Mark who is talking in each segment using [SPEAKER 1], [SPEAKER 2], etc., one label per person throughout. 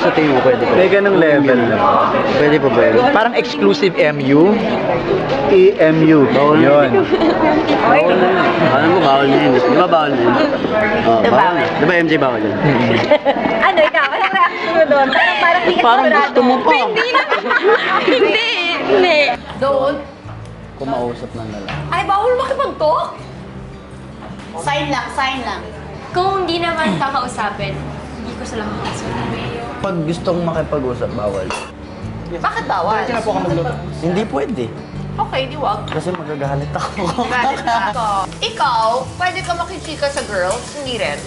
[SPEAKER 1] sa tingin mo pwede pa?
[SPEAKER 2] May ganung level na.
[SPEAKER 1] Pwede pa ba yun?
[SPEAKER 2] Parang exclusive MU. EMU. Yun.
[SPEAKER 1] Bawal na yun. Alam ko bawal na yun. Di ba bawal na yun? Oh, bawal na. Di ba MJ bawal yun?
[SPEAKER 3] Ano, ikaw? Anong reaction mo doon? Parang hindi ka
[SPEAKER 1] Parang
[SPEAKER 3] sigurado.
[SPEAKER 1] gusto mo pa.
[SPEAKER 3] Hindi na. Hindi. Don't.
[SPEAKER 1] Kumausap ng lalaki.
[SPEAKER 3] Ay, bawal makipag-talk?
[SPEAKER 4] Sign lang.
[SPEAKER 5] Kung hindi naman kakausapin, hindi ko sila makakausapin.
[SPEAKER 1] Pag gustong makipag-usap, bawal.
[SPEAKER 4] Bakit bawal?
[SPEAKER 1] Hindi pwede.
[SPEAKER 4] Okay, di wag.
[SPEAKER 1] Kasi magagalit ako.
[SPEAKER 4] Galit ako. Ikaw, pwede ka makichika sa girls? Hindi rin.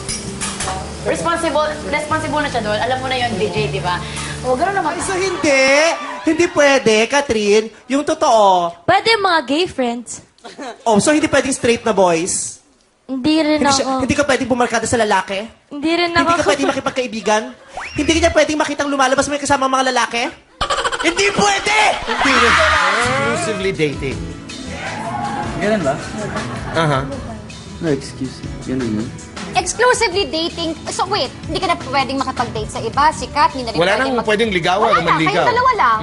[SPEAKER 4] Responsible na siya doon. Alam mo na yun, DJ, di ba? O, gano'n naman.
[SPEAKER 6] Ay, so hindi. Hindi pwede, Catherine. Yung totoo.
[SPEAKER 5] Pwede mga gay friends.
[SPEAKER 6] Oh, so hindi pwedeng straight na boys?
[SPEAKER 5] Hindi rin ako.
[SPEAKER 6] Hindi ka pwedeng bumarkada sa lalaki?
[SPEAKER 5] Hindi rin
[SPEAKER 6] Hindi
[SPEAKER 5] ako.
[SPEAKER 6] ka pwedeng makipagkaibigan? Hindi ka niya pwedeng makitang lumalabas may kasama mga lalaki? Hindi pwede! Hindi rin. Exclusively dating.
[SPEAKER 2] Ganun ba?
[SPEAKER 6] Aha.
[SPEAKER 1] No excuse. Ganun yun.
[SPEAKER 7] Exclusively dating. So wait, hindi ka na pwedeng makapag-date sa iba, sikat, hindi na rin
[SPEAKER 8] Wala nang pwedeng ligawan
[SPEAKER 7] Wala
[SPEAKER 8] o
[SPEAKER 7] na,
[SPEAKER 8] manligaw.
[SPEAKER 7] kayong dalawa lang.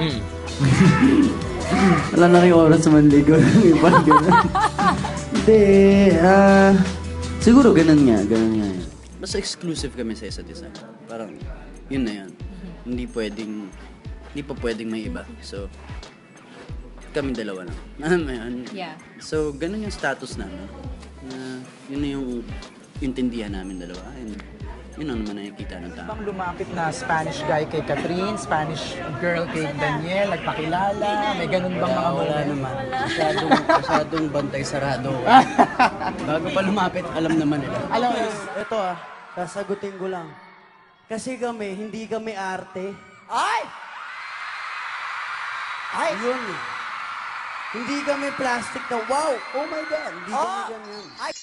[SPEAKER 1] Wala na kayong oras sa manligaw ng iba. Ganun. Hindi. Siguro ganun nga. Ganun nga yan. Basta exclusive kami sa isa't isa. Parang, yun na yan. Hindi pa pwedeng may iba. So, kami dalawa lang. Alam mo yun?
[SPEAKER 5] Yeah.
[SPEAKER 1] So, ganun yung status namin. Yun na yung intindihan namin dalawa. And yun ang naman nakikita ng tao.
[SPEAKER 9] Bang lumapit na Spanish guy kay Catherine, Spanish girl kay Daniel, nagpakilala, may ganun bang mga
[SPEAKER 1] Wala
[SPEAKER 9] moment?
[SPEAKER 1] naman. Masyadong bantay sarado. Bago pa lumapit, alam naman nila.
[SPEAKER 9] Alam mo,
[SPEAKER 10] Ito sasagutin ko lang. Kasi kami, hindi kami arte.
[SPEAKER 6] Ay! Ay!
[SPEAKER 10] Yun eh. Hindi kami plastic na wow, oh my God, hindi kami ganyan.
[SPEAKER 6] Ay!